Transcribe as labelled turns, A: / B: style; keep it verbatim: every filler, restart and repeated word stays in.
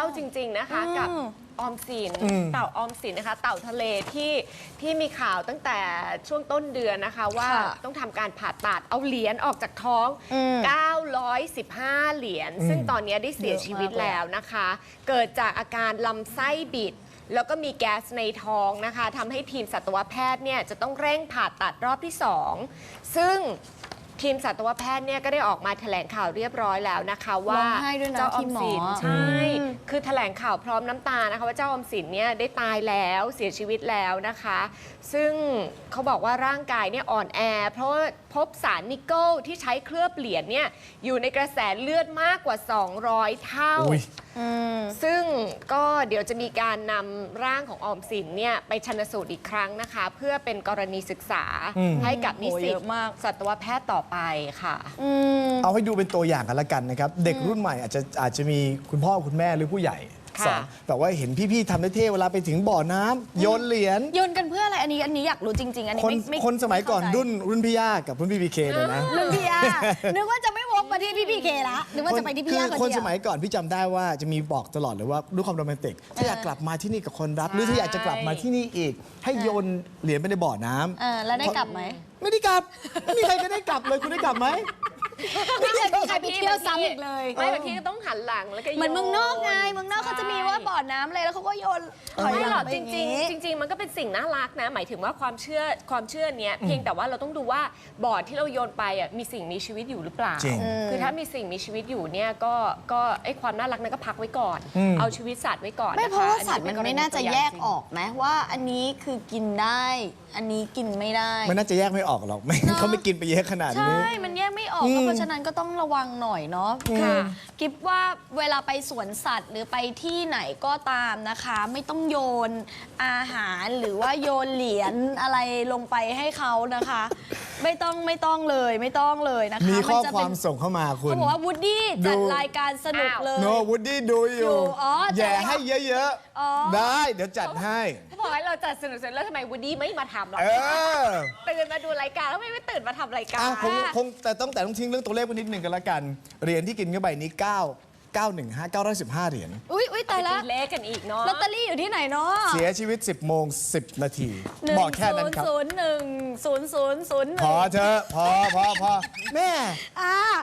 A: จริงๆนะคะกับออมสินเต่าออมสินนะคะเต่าทะเลที่ที่มีข่าวตั้งแต่ช่วงต้นเดือนนะคะว่าต้องทำการผ่าตัดเอาเหรียญออกจากท้องเก้าร้อยสิบห้าเหรียญซึ่งตอนนี้ได้เสียชีวิตแล้วนะคะเกิดจากอาการลำไส้บิดแล้วก็มีแก๊สในท้องนะคะทำให้ทีมสัตวแพทย์เนี่ยจะต้องเร่งผ่าตัดรอบที่สองซึ่งทีมสัตวแพทย์เนี่ยก็ได้ออกมาแถลงข่าวเรียบร้อยแล้วนะคะว่าเจ้าออมสินใช่คือแถลงข่าวพร้อมน้ำตานะคะว่าเจ้าออมสินเนี่ยได้ตายแล้วเสียชีวิตแล้วนะคะ ซึ่งเขาบอกว่าร่างกายเนี่ยอ่อนแอเพราะว่าพบสารนิกเกิลที่ใช้เคลือบเหรียญเนี่ยอยู่ในกระแสเลือดมากกว่าสองร้อยเท่าซึ่งก็เดี๋ยวจะมีการนำร่างของออมสินเนี่ยไปชันสูตรอีกครั้งนะคะเพื่อเป็นกรณีศึกษาให้กับนิสิตสัตวแพทย์ต่อไปค่ะ
B: เอาให้ดูเป็นตัวอย่างกันละกันนะครับเด็กรุ่นใหม่อาจจะอาจจะมีคุณพ่อคุณแม่หรือผู้ใหญ่สอนแต่ว่าเห็นพี่ๆทำได้เท่เวลาไปถึงบ่อน้ำโยนเหรียญ
C: โยนกันเพื่ออะไรอันนี้อันนี้อยากรู้จริงๆอันนี้
B: คน
C: ไม่
B: คนสมัยก่อนรุ่นรุ่นพี่ย่ากับรุ่นพี่พีเคเลยนะ
C: รุ่นพี่ย่านึกว่าจะไม่วกมาที่พี่พีเคละนึกว่าจะไปที่พี่ย่าคนเดียว
B: คนสมัยก่อนพี่จำได้ว่าจะมีบอกตลอดเลยว่าด้วยความโรแมนติกถ้าอยากกลับมาที่นี่กับคนรักหรือถ้าอยากจะกลับมาที่นี่อีกให้โยนเหรียญไปในบ่อน้
C: ำแล้วได้กลับไหม
B: ไม่ได้กลับไม่มีใครก็ได้กลับเลยคุณได้กลับไหม
C: ไม่เคยมีใครไปเที่ยวซ้ำอีกเลย
A: ไม่บางทีก็ต้องหันหลังแล้วก็โยน
C: เหมือนเมืองนอกไงเมืองนอกเขาจะมีว่าบ่อน้ำอะไรแล้วเขาก็โยน
A: ไม่หรอกจริงๆจริงๆมันก็เป็นสิ่งน่ารักนะหมายถึงว่าความเชื่อความเชื่อเนี้ยเพียงแต่ว่าเราต้องดูว่าบ่อที่เราโยนไปอ่ะมีสิ่งมีชีวิตอยู่หรือเปล่าคือถ้ามีสิ่งมีชีวิตอยู่เนี่ยก็ก็ไอความน่ารักนั้นก็พักไว้ก่อนเอาชีวิตสัตว์ไว้ก่อน
C: ไม่เพราะว่าสัตว์มันไม่น่าจะแยกออกไหมว่าอันนี้คือกินได้อันนี้กินไม่ได้
B: มันน่าจะแยกไม่ออกหรอกไม่เขาไม่กินไปเยอะขนาดนี้
C: ใช่มันแยกไม่ออกเพราะฉะนั้นก็ต้องระวังหน่อยเนาะค่ะกิฟว่าเวลาไปสวนสัตว์หรือไปที่ไหนก็ตามนะคะไม่ต้องโยนอาหารหรือว่าโยนเหรียญอะไรลงไปให้เขานะคะไม่ต้องไม่ต้องเลยไม่ต้องเลยนะคะ
B: มีข้อความส่งเข้ามาคุณ
C: เขาบอกว่าวูดดี้จัดรายการสนุกเลย
B: โนวูดดี้ดูอยู่แย่ให้เยอะๆได้เดี๋ยวจัดให้
A: เขาบอกให้เราจัดสนุกเสร็จแล้วทำไมวูดดี้ไม่มาทำหรอตื่นมาดูรายการแล้วไม่ไม่ตื่นมาทำรายการ
B: คงคงแต่ต้องแต่ต้องทิ้งเรื่องตัวเลขไว้นิดหนึ่งกันละกันเหรียญที่กินเข้าไปนี้เก้า เก้า หนึ่ง ห้า เก้าร้อยสิบห้าเหรียญ
C: อุ้ยอุ้ยตายละ
A: เลขกันอีกเนาะ
C: ลอตเตอรี่อยู่ที่ไหนเนาะ
B: เสียชีวิตสิบโมงสิบนาทีบอกแค่นั้นครับ
C: ศูนย์ หนึ่ง ศูนย์ ศูนย์ ศูนย์ หนึ่ง
B: พอเถอะพอพอพอแม่
C: อ่า